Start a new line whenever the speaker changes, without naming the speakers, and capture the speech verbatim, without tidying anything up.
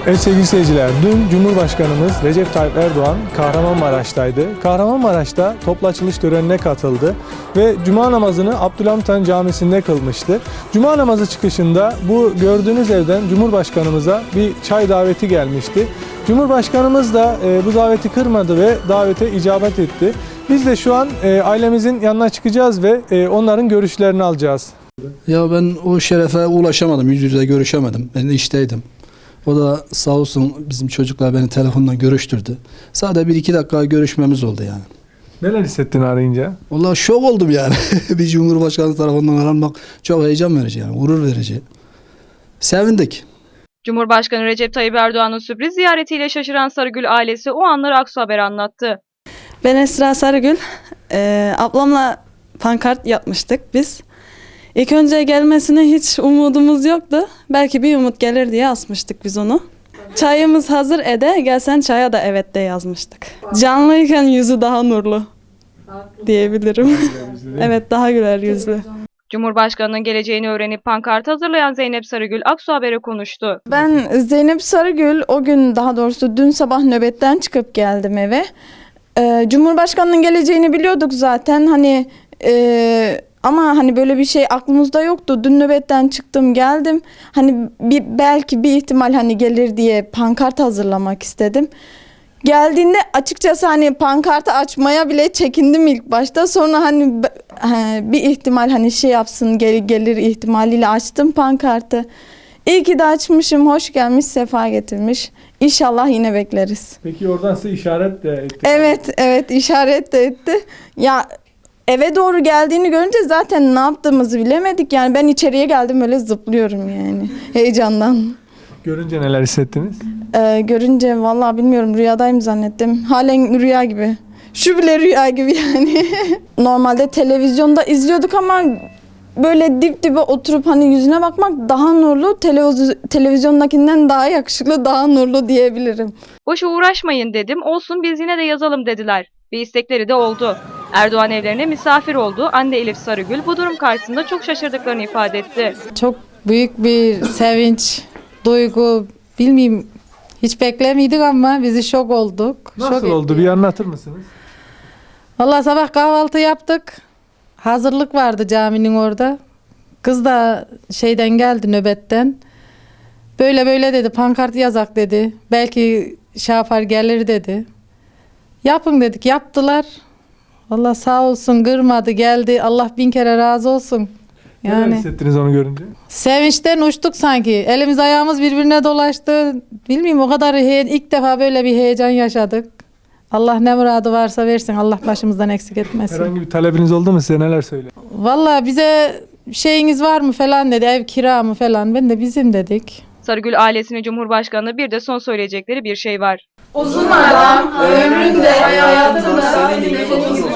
Evet sevgili seyirciler, dün Cumhurbaşkanımız Recep Tayyip Erdoğan Kahramanmaraş'taydı. Kahramanmaraş'ta toplu açılış törenine katıldı ve Cuma namazını Abdülhamit Han Camisi'nde kılmıştı. Cuma namazı çıkışında bu gördüğünüz evden Cumhurbaşkanımıza bir çay daveti gelmişti. Cumhurbaşkanımız da e, bu daveti kırmadı ve davete icabet etti. Biz de şu an e, ailemizin yanına çıkacağız ve e, onların görüşlerini alacağız.
Ya ben o şerefe ulaşamadım, yüz yüze görüşemedim. Ben de işteydim. O da sağ olsun bizim çocuklar beni telefonla görüştürdü. Sadece bir iki dakika görüşmemiz oldu yani.
Neler hissettin arayınca?
Vallahi şok oldum yani. Bir Cumhurbaşkanı tarafından aranmak çok heyecan verici yani, gurur verici. Sevindik.
Cumhurbaşkanı Recep Tayyip Erdoğan'ın sürpriz ziyaretiyle şaşıran Sarıgül ailesi o anları Aksu Haber anlattı.
Ben Esra Sarıgül. Ee, ablamla pankart yapmıştık biz. İlk önce gelmesine hiç umudumuz yoktu. Belki bir umut gelir diye asmıştık biz onu. Çayımız hazır ede, gelsen çaya da evet de yazmıştık. Canlıyken yüzü daha nurlu diyebilirim. Evet, daha güler yüzlü.
Cumhurbaşkanının geleceğini öğrenip pankart hazırlayan Zeynep Sarıgül Aksu Haber'e konuştu.
Ben Zeynep Sarıgül, o gün daha doğrusu dün sabah nöbetten çıkıp geldim eve. Ee, Cumhurbaşkanının geleceğini biliyorduk zaten. Hani e, ama hani böyle bir şey aklımızda yoktu. Dün nöbetten çıktım geldim. Hani bir, belki bir ihtimal hani gelir diye pankart hazırlamak istedim. Geldiğinde açıkçası hani pankartı açmaya bile çekindim ilk başta. Sonra hani bir ihtimal hani şey yapsın gel, gelir ihtimaliyle açtım pankartı. İyi ki de açmışım. Hoş gelmiş, sefa getirmiş. İnşallah yine bekleriz.
Peki oradan size işaret de etti.
Evet, evet işaret de etti. Ya eve doğru geldiğini görünce zaten ne yaptığımızı bilemedik. Yani ben içeriye geldim öyle zıplıyorum yani heyecandan.
Görünce neler hissettiniz?
Ee, görünce vallahi bilmiyorum, rüyadayım zannettim. Halen rüya gibi. Şu bile rüya gibi yani. Normalde televizyonda izliyorduk ama böyle dip dibe oturup hani yüzüne bakmak daha nurlu, televiz televizyondakinden daha yakışıklı, daha nurlu diyebilirim.
Boşa uğraşmayın dedim, olsun biz yine de yazalım dediler. Ve istekleri de oldu. Erdoğan evlerine misafir oldu. Anne Elif Sarıgül bu durum karşısında çok şaşırdıklarını ifade etti.
Çok büyük bir sevinç, duygu, bilmiyorum, hiç beklemiyorduk ama bizi şok olduk.
Nasıl
şok
oldu?
etti.
Bir anlatır mısınız?
Vallahi sabah kahvaltı yaptık. Hazırlık vardı caminin orada. Kız da şeyden geldi, nöbetten. Böyle böyle dedi, pankart yazak dedi. Belki şey yapar gelir dedi. Yapın dedik, yaptılar. Vallahi sağ olsun, kırmadı, geldi. Allah bin kere razı olsun.
Neler
Yani
hissettiniz onu görünce?
sevinçten uçtuk sanki. Elimiz ayağımız birbirine dolaştı. Bilmiyorum, o kadar he- ilk defa böyle bir heyecan yaşadık. Allah ne muradı varsa versin. Allah başımızdan eksik etmesin.
Herhangi bir talebiniz oldu mu, size neler söylüyor?
Vallahi bize şeyiniz var mı falan dedi. Ev kira mı falan. Ben de bizim dedik.
Sarıgül ailesine Cumhurbaşkanı bir de son söyleyecekleri bir şey var.
Uzun adam ömründe hayatında